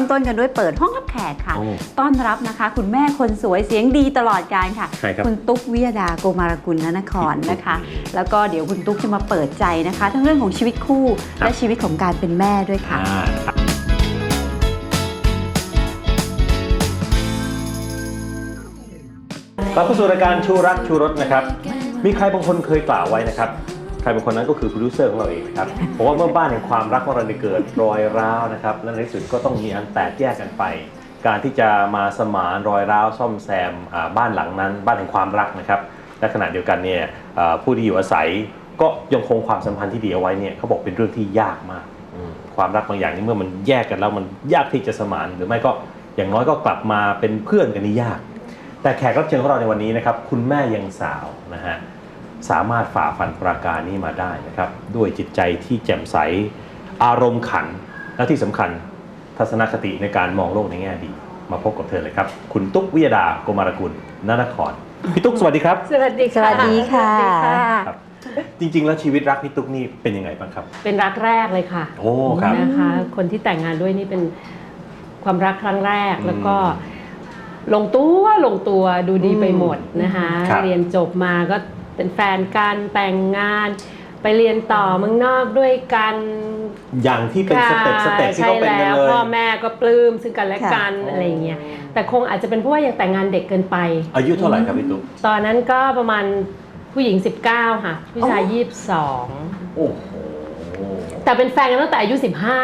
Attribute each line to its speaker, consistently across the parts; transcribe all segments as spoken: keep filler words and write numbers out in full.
Speaker 1: ต้นกันด้วยเปิดห้องรับแขกค่ะต้อนรับนะคะคุณแม่คนสวยเสียงดีตลอดการค่ะคุณตุ๊กวิยดาโกมารกุลนครนะคะแล้วก็เดี๋ยวคุณตุ๊กจะมาเปิดใจนะคะทั้งเรื่องของชีวิตคู่และชีวิตของการเป็นแม่ด้วยค่ะ
Speaker 2: กลับเข้าสู่รายการชูรักชูรสนะครับมีใครบางคนเคยกล่าวไว้นะครับใครบางคนนั้นก็คือโปรดิวเซอร์ของเราเองนะครับเพราะว่าเมื่อบ้านแห่งความรักของเราได้เกิดรอยร้าวนะครับและในที่สุดก็ต้องมีอันแตกแยกกันไปการที่จะมาสมานรอยร้าวซ่อมแซมบ้านหลังนั้นบ้านแห่งความรักนะครับและขณะเดียวกันเนี่ยผู้ที่อยู่อาศัยก็ยังคงความสัมพันธ์ที่ดีเอาไว้เนี่ยเขาบอกเป็นเรื่องที่ยากมากความรักบางอย่างนี่เมื่อมันแยกกันแล้วมันยากที่จะสมานหรือไม่ก็อย่างน้อยก็กลับมาเป็นเพื่อนกันนี่ยากแต่แขกรับเชิญของเราในวันนี้นะครับคุณแม่ยังสาวนะฮะสามารถฝ่าฟันปราการนี้มาได้นะครับด้วยจิตใจที่แจ่มใสอารมณ์ขันและที่สำคัญทัศนคติในการมองโลกในแง่ดีมาพบกับเธอเลยครับคุณตุ๊กวิยดาโกมารกุลนนครพี่ตุ๊กสวัสดีครับ
Speaker 3: สวัสดีค่ะ
Speaker 1: สวัสดีค่ะ
Speaker 2: จริงๆแล้วชีวิตรักพี่ตุ๊กนี่เป็นยังไงบ้างครับ
Speaker 3: เป็นรักแรกเลยค่ะ
Speaker 2: โอ้ครับ
Speaker 3: นะคะคนที่แต่งงานด้วยนี่เป็นความรักครั้งแรกแล้วก็ลงตัวลงตัวดูดีไปหมดนะคะเรียนจบมาก็เป็นแฟนกันแต่งงานไปเรียนต่อเมืองนอกด้วยกัน
Speaker 2: อย่างที่เป็นสเต็ปสเต็ปที่เขาเป็นกันเลย
Speaker 3: พ่อแม่ก็ปลื้มซึ่งกันและกันอะไรอย่างเงี้ยแต่คงอาจจะเป็นเพราะว่ายังแต่งงานเด็กเกินไป
Speaker 2: อายุเท่าไหร่ครับพี่ตุ๊ก
Speaker 3: ตอนนั้นก็ประมาณผู้หญิงสิบเก้าค่ะผู้ชายยี่สิบสอง
Speaker 2: โอ้โห
Speaker 3: แต่เป็นแฟนกันตั้งแต่อายุสิบห้า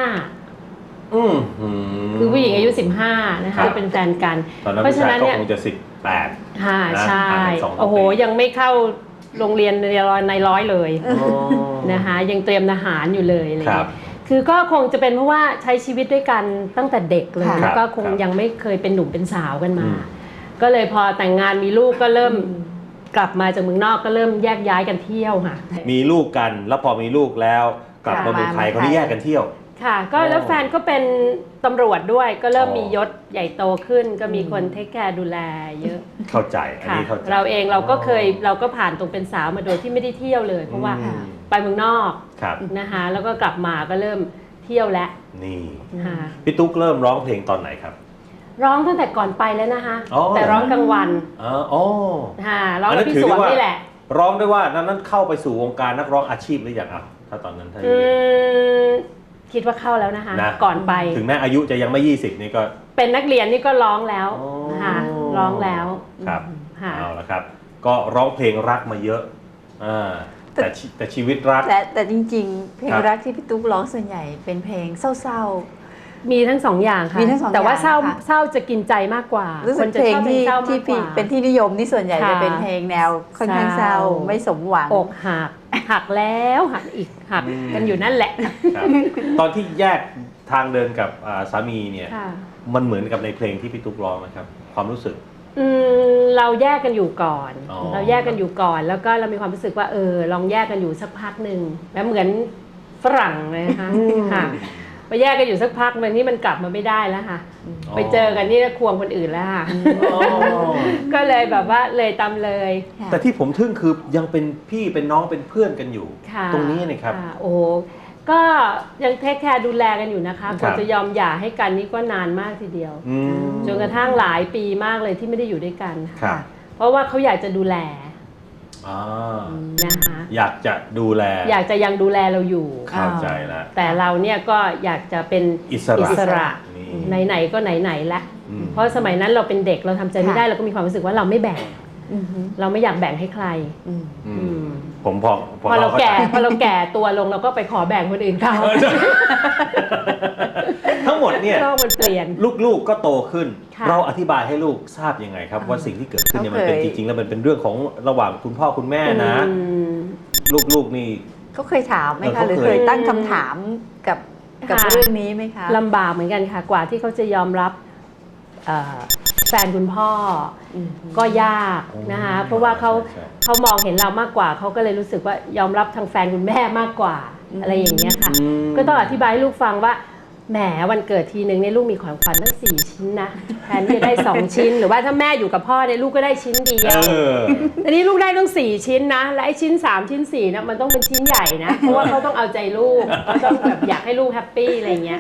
Speaker 3: คือผู้หญิงอายุสิบห้านะคะเป็นแฟนกัน
Speaker 2: เพราะฉะนั้นเนี่ยคงจะสิบแปด
Speaker 3: ค่ะใช่โอ้โหยังไม่เข้าโรงเรียนในร้อยเลยนะคะยังเตรียมทหารอยู่เลยอะไรคือก็คงจะเป็นเพราะว่าใช้ชีวิตด้วยกันตั้งแต่เด็กเลยแล้วก็คงยังไม่เคยเป็นหนุ่มเป็นสาวกันมาก็เลยพอแต่งงานมีลูกก็เริ่มกลับมาจากเมืองนอกก็เริ่มแยกย้ายกันเที่ยวค่ะ
Speaker 2: มีลูกกันแล้วพอมีลูกแล้วกลับมาเมืองไทยก็แยกกันเที่ยว
Speaker 3: ค่ะก็แล้วแฟนก็เป็นตำรวจด้วยก็เริ่มมียศใหญ่โตขึ้นก็มีคนเทคแคร์ดูแลเยอะ
Speaker 2: เข้าใจอันนี้เข้าใจ
Speaker 3: เราเองเราก็เคยเราก็ผ่านตรงเป็นสาวมาโดยที่ไม่ได้เที่ยวเลยเพราะว่าไปเมืองนอกนะคะแล้วก็กลับมาก็เริ่มเที่ยวแล้ว
Speaker 2: นี่พี่ตุ๊กเริ่มร้องเพลงตอนไหนครับ
Speaker 3: ร้องตั้งแต่ก่อนไปแล้วนะคะแต่ร้องกลางวัน
Speaker 2: อ๋อ
Speaker 3: ค่ะร้องกับพี่สวงนี่แหละ
Speaker 2: ร้องได้ว่านั้นเข้าไปสู่วงการนักร้องอาชีพหรือยังครับถ้าตอนนั้นถ้า
Speaker 3: คิดว่าเข้าแล้วนะคะก่อนไป
Speaker 2: ถึงแม้อายุจะยังไม่ยี่สิบนี่ก็
Speaker 3: เป็นนักเรียนนี่ก็ร้องแล้วค่ะร้องแล้ว
Speaker 2: ครับเอาละครับก็ร้องเพลงรักมาเยอะอ่าแต่แต่ชีวิตรัก
Speaker 1: แต่แต่จริงๆเพลงรักที่พี่ตุ๊กร้องส่วนใหญ่เป็นเพลงเศร้า
Speaker 3: ๆมีทั้งสองอย่างค่ะแต่ว่าเศร้าเศร้าจะกินใจมากกว่า
Speaker 1: คนจะชอบเพลงที่ที่เป็นที่นิยมนี่ส่วนใหญ่จะเป็นเพลงแนวค่อนข้างเศร้าไม่สมหวัง
Speaker 3: อกหักหักแล้วหักอีกหักกันอยู่นั่นแหละ
Speaker 2: ตอนที่แยกทางเดินกับสามีเนี่ยมันเหมือนกับในเพลงที่พี่ตุ๊กร้องนะครับความรู้สึก
Speaker 3: เราแยกกันอยู่ก่อนเราแยกกันอยู่ก่อนแล้วก็เรามีความรู้สึกว่าเออลองแยกกันอยู่สักพักหนึ่งแล้วเหมือนฝรั่งเลยนะคะค่ะไปแยกกันอยู่สักพักมันที่มันกลับมาไม่ได้แล้วค่ะไปเจอกันนี่ควงคนอื่นแล้วค่ะก็เลยแบบว่าเลยตามเลย
Speaker 2: แต่ที่ผมทึ่งคือยังเป็นพี่เป็นน้องเป็นเพื่อนกันอยู่ตรงนี้นะครับ
Speaker 3: โอ้ก็ยังเทคแคร์ดูแลกันอยู่นะคะกว่าจะยอมหย่าให้กันนี่ก็นานมากทีเดียวจนกระทั่งหลายปีมากเลยที่ไม่ได้อยู่ด้วยกันค่ะเพราะว่าเขาอยากจะดูแลนะคะ
Speaker 2: อยากจะดูแล
Speaker 3: อยากจะยังดูแลเราอยู่
Speaker 2: เข้าใจแล้ว
Speaker 3: แต่เราเนี่ยก็อยากจะเป็น
Speaker 2: อิสระ
Speaker 3: ไหนๆก็ไหนๆละเพราะสมัยนั้นเราเป็นเด็กเราทำใจไม่ได้เราก็มีความรู้สึกว่าเราไม่แบ่งเราไม่อยากแบ่งให้ใคร
Speaker 2: ผมพอ
Speaker 3: พอเราแก่พอเราแก่ตัวลงเราก็ไปขอแบ่งคนอื่นเขา
Speaker 2: ทั้งหมดเนี่ย
Speaker 3: มันเปลี่ยน
Speaker 2: ลูกๆก็โตขึ้นเราอธิบายให้ลูกทราบยังไงครับว่าสิ่งที่เกิดขึ้นเนี่ยมันเป็นจริงๆแล้วมันเป็นเรื่องของระหว่างคุณพ่อคุณแม่นะลูกๆนี่
Speaker 1: เขาเคยถามไหมคะหรือเคยตั้งคำถามกับกับเรื่องนี้ไหมคะ
Speaker 3: ลำบากเหมือนกันค่ะกว่าที่เขาจะยอมรับแฟนคุณพ่อก็ยากนะคะเพราะว่าเขาเขามองเห็นเรามากกว่าเขาก็เลยรู้สึกว่ายอมรับทางแฟนคุณแม่มากกว่าอะไรอย่างเงี้ยค่ะก็ต้องอธิบายให้ลูกฟังว่าแหมวันเกิดทีนึงเนี่ยลูกมีของขวัญตั้งสี่ชิ้นนะแทนที่จะได้สองชิ้นหรือว่าถ้าแม่อยู่กับพ่อเนี่ยลูกก็ได้ชิ้นเดียวอันนี้ลูกได้ต้องสี่ชิ้นนะและไอ้ชิ้นสามชิ้นสี่นะมันต้องเป็นชิ้นใหญ่นะเพราะว่าเขาต้องเอาใจลูกเขาต้องแบบอยากให้ลูกแฮปปี้อะไรเงี้ย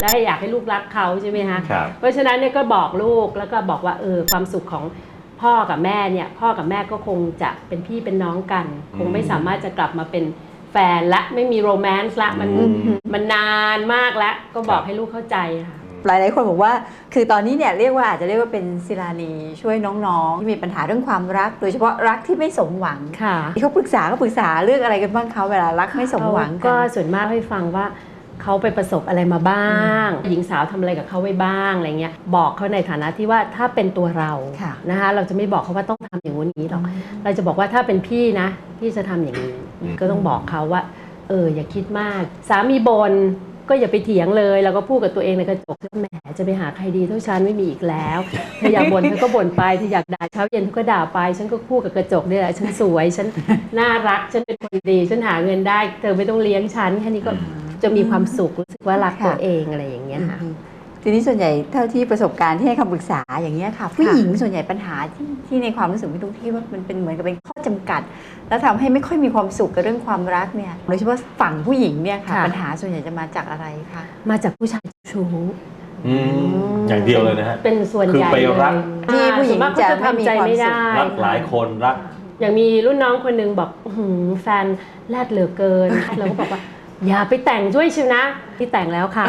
Speaker 3: และให้อยากให้ลูกรักเขาใช่ไหมคะ
Speaker 2: ครับ
Speaker 3: เพราะฉะนั้นเนี่ยก็บอกลูกแล้วก็บอกว่าเออความสุขของพ่อกับแม่เนี่ยพ่อกับแม่ก็คงจะเป็นพี่เป็นน้องกัน คงไม่สามารถจะกลับมาเป็นแฟนและไม่มีโรแมนต์ละมัน
Speaker 2: อืม
Speaker 3: มันนานมากแล้วก็บอกให้ลูกเข้าใจค่ะ
Speaker 1: หลายๆคนบอกว่าคือตอนนี้เนี่ยเรียกว่าอาจจะเรียกว่าเป็นศิลานีช่วยน้องๆที่มีปัญหาเรื่องความรัก โดยเฉพาะรักที่ไม่สมหวัง
Speaker 3: ค่ะ
Speaker 1: ที่เขาปรึกษาก็ปรึกษาเรื่องอะไรกันบ้างเขาเวลารักไม่สมหวัง
Speaker 3: ก็
Speaker 1: กัน
Speaker 3: ส่วนมากให้ฟังว่าเขาไปประสบอะไรมาบ้าง หญิงสาวทำอะไรกับเขาไว้บ้างอะไรเงี้ยบอกเขาในฐานะที่ว่าถ้าเป็นตัวเรา
Speaker 1: ค่ะ
Speaker 3: นะคะเราจะไม่บอกเขาว่าต้องทำอย่างนี้หรอกเราจะบอกว่าถ้าเป็นพี่นะพี่จะทำอย่างนี้ก็ต้องบอกเขาว่าเอออย่าคิดมากสามีบนก็อย่าไปเถียงเลยแล้วก็พูดกับตัวเองในกระจกแหมจะไปหาใครดีเท่าฉันไม่มีอีกแล้วเธออยากบ่นเธอก็บ่นไปเธออยากด่าเช้าเย็นเธอก็ด่าไปฉันก็พูดกับกระจกนี่แหละฉันสวยฉันน่ารักฉันเป็นคนดีฉันหาเงินได้เธอไม่ต้องเลี้ยงฉันแค่นี้ก็จะมีความสุขรู้สึกว่ารักตัวเองอะไรอย่างเงี้ยค่ะ
Speaker 1: ทีนี้ส่วนใหญ่เท่าที่ประสบการณ์ที่ให้คำปรึกษาอย่างเงี้ยค่ะผู้หญิงส่วนใหญ่ปัญหาที่ที่ในความรู้สึกพี่ตุ๊กที่ว่ามันเป็นเหมือนกับเป็นข้อจำกัด แล้วทำให้ไม่ค่อยมีความสุขกับเรื่องความรักเนี่ยโดยเฉพาะฝั่งผู้หญิงเนี่ยค่ะ
Speaker 3: ค่ะ
Speaker 1: ปัญหาส่วนใหญ่จะมาจากอะไรคะ
Speaker 3: มาจากผู้ชายชู้
Speaker 2: อืมอย่างเดียวเลยนะฮะ
Speaker 3: เป็นส่วน
Speaker 2: คือ
Speaker 3: ใหญ่
Speaker 2: ไปรัก
Speaker 1: ที่ผู้หญิง
Speaker 3: ส่วนมากเขาจะทำใจไม่ได้
Speaker 2: รักหลายคนรัก
Speaker 3: อย่างมีรุ่นน้องคนหนึ่งบอกอื้อหือแฟนแรดเหลือเกิน เราก็บอกว่าอย่าไปแต่งด้วยชิวนะที่แต่งแล้วค่ะ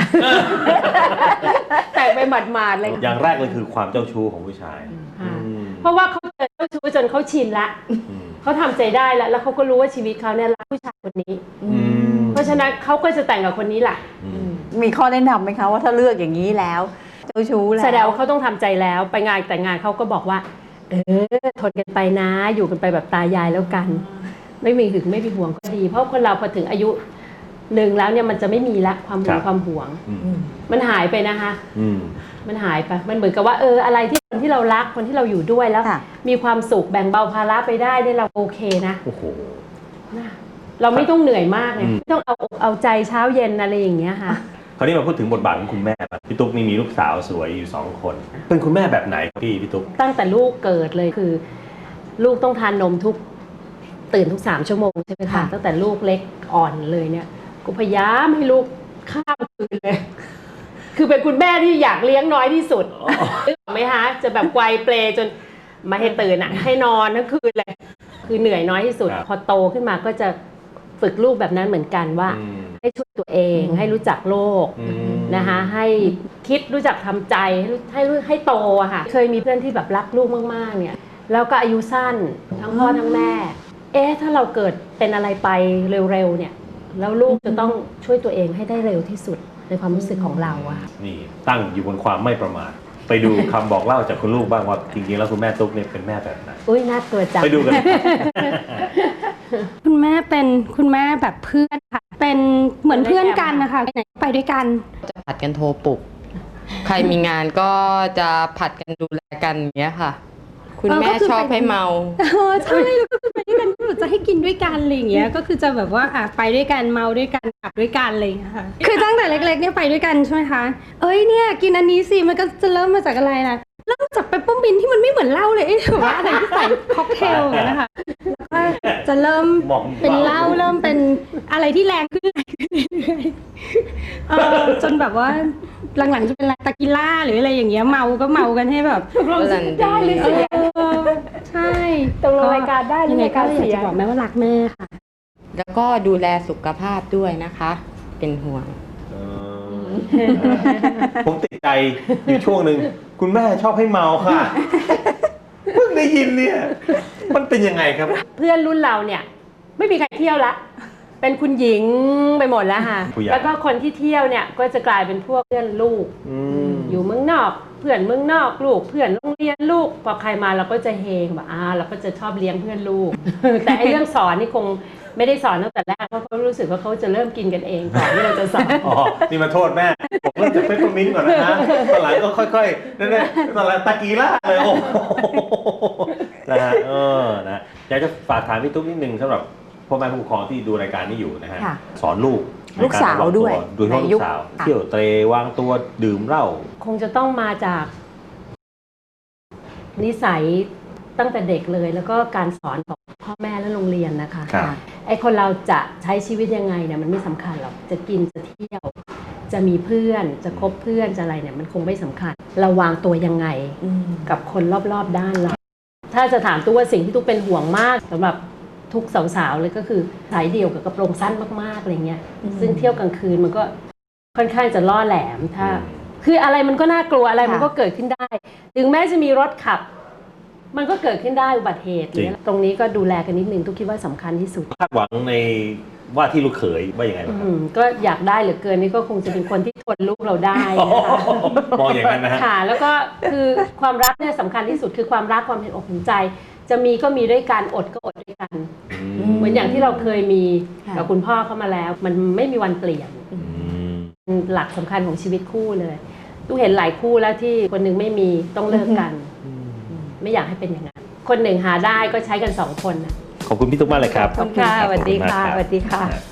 Speaker 3: แต่งไปหมาดๆเลย
Speaker 2: อย่างแรกเลยคือความเจ้าชู้ของผู้ชาย
Speaker 3: ค่ะ
Speaker 2: อืม
Speaker 3: เพราะว่าเขาเจอเจ้าชู้จนเขาชินละ
Speaker 2: อืม
Speaker 3: เขาทำใจได้แล้วแล้วเขาก็รู้ว่าชีวิตเขาเนี่ยรักผู้ชายคนนี้
Speaker 2: อืม
Speaker 3: เพราะฉะนั้นเขาก็จะแต่งกับคนนี้แหละ
Speaker 2: อืม
Speaker 1: มีข้อแนะนำไหมคะว่าถ้าเลือกอย่างนี้แล้วเจ้าชู้แล้ว
Speaker 3: แสดงว่าเขาต้องทำใจแล้วไปงานแต่งงานเขาก็บอกว่า เออทนกันไปนะ อยู่กันไปแบบตายายแล้วกัน ไม่มีหึงไม่มีห่วงก็ดี เพราะคนเราพอถึงอายุหนึ่งแล้วเนี่ยมันจะไม่มีละความหึ
Speaker 2: ครั
Speaker 3: ง
Speaker 2: บ
Speaker 3: ความห่วง
Speaker 2: อืม
Speaker 3: มันหายไปนะคะ
Speaker 2: อืม
Speaker 3: มันหายไปมันเหมือนกับว่าเอออะไรที่คนที่เรารักคนที่เราอยู่ด้วยแล้ว
Speaker 1: ค่ะ
Speaker 3: มีความสุขแบ่งเบาภาระไปได้เนี่ยเราโอเคนะ
Speaker 2: โอ้โห
Speaker 3: นะเราไม่ต้องเหนื่อยมากไง
Speaker 2: อืม
Speaker 3: ไม่ต้องเอาอกเอาใจเช้าเย็นอะไรอย่างเงี้ยค่ะ
Speaker 2: คราวนี้มาพูดถึงบทบาทของคุณแม่บ้างพี่ตุ๊กนี่มีลูกสาวสวยอยู่สองคน เป็นคุณแม่แบบไหนครับพี่พี่ตุ๊ก
Speaker 3: ตั้งแต่ลูกเกิดเลยคือ ลูกต้องทานนมทุกตื่นทุกสามชั่วโมงใช่ไหมคะ
Speaker 1: ค่ะ
Speaker 3: ตั้งแต่ลูกเล็กอ่อนเลยเนี่ยกูพยายามให้ลูกข้ามคืนเลย คือเป็นคุณแม่ที่อยากเลี้ยงน้อยที่สุดนึกออกไหมคะจะแบบไกวเปลจนไมาให้ตื่นอ่ะ ให้นอนทั้งคืนเลย คือเหนื่อยน้อยที่สุด
Speaker 2: ครับ
Speaker 3: พอโตขึ้นมาก็จะฝึกลูกแบบนั้นเหมือนกันว่า
Speaker 2: อืม
Speaker 3: ให้ช่วยตัวเองให้รู้จักโลก
Speaker 2: อืม
Speaker 3: นะคะให้คิดรู้จักทำใจให้รู้ให้รู้ให้โตอะค่ะเคยมีเพื่อนที่แบบรักลูกมากๆเนี่ยแล้วก็อายุสั้นทั้งพ่อทั้งแม่ เอ๊ะถ้าเราเกิดเป็นอะไรไปเร็วๆเนี่ยแล้วลูกจะต้องช่วยตัวเองให้ได้เร็วที่สุดในความรู้สึกของเราอะค่ะ
Speaker 2: นี่ตั้งอยู่บนความไม่ประมาทไปดูคำบอกเล่าจากคุณลูกบ้างว่าจริงๆแล้วคุณแม่ตุ๊กเนี่ยเป็นแม่แบบไหน
Speaker 3: อุ้ยน่ากลัวจัง
Speaker 2: ไปดูกันเลยครับ
Speaker 4: คุณแม่เป็นคุณแม่แบบเพื่อนค่ะ เป็นเหมือนเพื่อนกันนะคะไปไหนไปด้วยกัน
Speaker 5: จะผัดกันโทรปลุก ใครมีงานก็จะผัดกันดูแลกันอย่างเงี้ยค่ะ คุณ
Speaker 4: เออ
Speaker 5: แม่
Speaker 4: ก็คือ
Speaker 5: ชอบ
Speaker 4: ไป
Speaker 5: ให้เมา
Speaker 4: เออใช่แล้วก็คือไปด้วยกันก็แบบจะให้กินด้วยกันอะไรอย่างเงี้ยก็คือจะแบบว่าอ่ะไปด้วยกันเมาด้วยกันกลับด้วยกันอะไรอย่างเงี้ยค่ะคือตั้งแต่เล็กๆเนี่ยไปด้วยกันใช่ไหมคะเอ้ยเนี่ยกินอันนี้สิมันก็จะเริ่มมาจากอะไรนะเริ่มจากเปปเปอร์มินท์ที่มันไม่เหมือนเหล้าเลยไอ้แบบว่าอะไรที่ใส่ค็อกเทลอย่างเงี้ยนะคะแล้วก็จะเริ่ม
Speaker 2: มอม
Speaker 4: เป็นเหล้าเริ่มเป็นอะไรที่แรงขึ้นแรงขึ้นเรื่อยๆเออจนแบบว่าหลังๆจะเป็นอะไรตากิล่าหรืออะไรอย่างเงี้ยเมาก็เมากันให้แบบ
Speaker 3: ตกลงได้หรือเสีย
Speaker 4: เออใช่
Speaker 3: ตกลงรายการได้หรือ
Speaker 4: ยังไง
Speaker 3: ราย
Speaker 4: ก็
Speaker 3: การ
Speaker 4: อยาก
Speaker 3: เสีย
Speaker 4: จะบอกแม่ว่ารักแม่ค่ะ
Speaker 5: แล้วก็ดูแลสุขภาพด้วยนะคะ เป็นห่วง
Speaker 2: เออผมติดใจอยู่ช่วงหนึ่งคุณแม่ชอบให้เมาค่ะเพิ่งได้ยินเนี่ย มันเป็นยังไงครับ
Speaker 3: เพื่อนรุ่นเราเนี่ยไม่มีใครเที่ยวละ เป็นคุณหญิงไปหมดแล้วค่ะ
Speaker 2: ผู้ใหญ่
Speaker 3: แล้วก็คนที่เที่ยวเนี่ยก็จะกลายเป็นพวกเพื่อนลูก
Speaker 2: อืม
Speaker 3: อยู่เมืองนอกเพื่อนเมืองนอกลูกเพื่อนโรงเรียนลูกพอใครมาเราก็จะเฮงแบบอ่าเราก็จะชอบเลี้ยงเพื่อนลูก แต่ไอ้เรื่องสอนนี่คงไม่ได้สอนตั้งแต่แรกเพราะเขารู้สึกว่าเขาจะเริ่มกินกันเองก่อนที่เราจะสอน
Speaker 2: อ๋อ นี่มาโทษแม่ ผมเริ่มจากเปปเปอร์มินต์ก่อนนะตอนหลังก็ค่อยๆนั่นแหละตอนหลังตะกีล่าเลยโอ้โหนะฮะเออนะอยากจะฝากถามพี่ตุ๊กนิดนึงสำหรับพ่อแม่ผู้ปกครองที่ดูรายการนี้อยู่นะฮะ
Speaker 1: ค่ะ
Speaker 2: สอนลูก
Speaker 1: ลูกสาวด้วย
Speaker 2: โดยเฉพาะ
Speaker 1: ใน
Speaker 2: ลู
Speaker 1: ยุ
Speaker 2: ก
Speaker 1: ค
Speaker 2: สาว
Speaker 1: ค่ะ
Speaker 2: เที่ยวเตรวางตัวดื่มเหล้า
Speaker 3: คงจะต้องมาจากนิสัยตั้งแต่เด็กเลย แล้วก็การสอนของพ่อแม่และโรงเรียนนะคะ
Speaker 2: ครับ
Speaker 3: ไอ้คนเราจะใช้ชีวิตยังไงเนี่ยมันไม่สำคัญหรอกจะกินจะเที่ยวจะมีเพื่อนจะคบเพื่อนจะอะไรเนี่ยมันคงไม่สำคัญเราวางตัวยังไงกับคนรอบๆด้านเราถ้าจะถามตัวว่าสิ่งที่ตุ๊กเป็นห่วงมากสำหรับทุกสาวๆเลยก็คือสายเดี่ยวกับกระโปรงสั้นมากๆอะไรเงี้ยซึ่งเที่ยวกลางคืนมันก็ค่อนข้างจะล่อแหลมถ้าคืออะไรมันก็น่ากลัวอะไรมันก็เกิดขึ้นได้ถึงแม้จะมีรถขับมันก็เกิดขึ้นได้อุบัติเหตุเนี่ยตรงนี้ก็ดูแลกันนิดนึงตุ๊กคิดว่าสำคัญที่สุด
Speaker 2: คาดหวังในว่าที่ลูกเขยว่าอย่างไรบ้างครับ
Speaker 3: ก็อยากได้เหลือเกินนี่ก็คงจะเป็นคนที่ทนลูกเราได้นะคะ
Speaker 2: มองอย่างนั้นนะฮะ
Speaker 3: ค่ะแล้วก็คือความรักเนี่ยสำคัญที่สุดคือความรักความเห็นอกเห็นใจจะมีก็มีด้วยกันอดก็อดด้วยกันเหมือนอย่างที่เราเคยมีกับคุณพ่อเข้ามาแล้วมันไม่มีวันเปลี่ยนหลักสำคัญของชีวิตคู่เลยตุ๊กเห็นหลายคู่แล้วที่คนหนึ่งไม่มีต้องเลิกกันไม่อยากให้เป็นอย่างนั้นคนหนึ่งหาได้ก็ใช้กันสองคนนะ
Speaker 2: ขอบคุณพี่ตุ๊กมากเลยครับ
Speaker 3: ขอบคุณค่ะสวัสดีค่ะสวัสดีค่ะ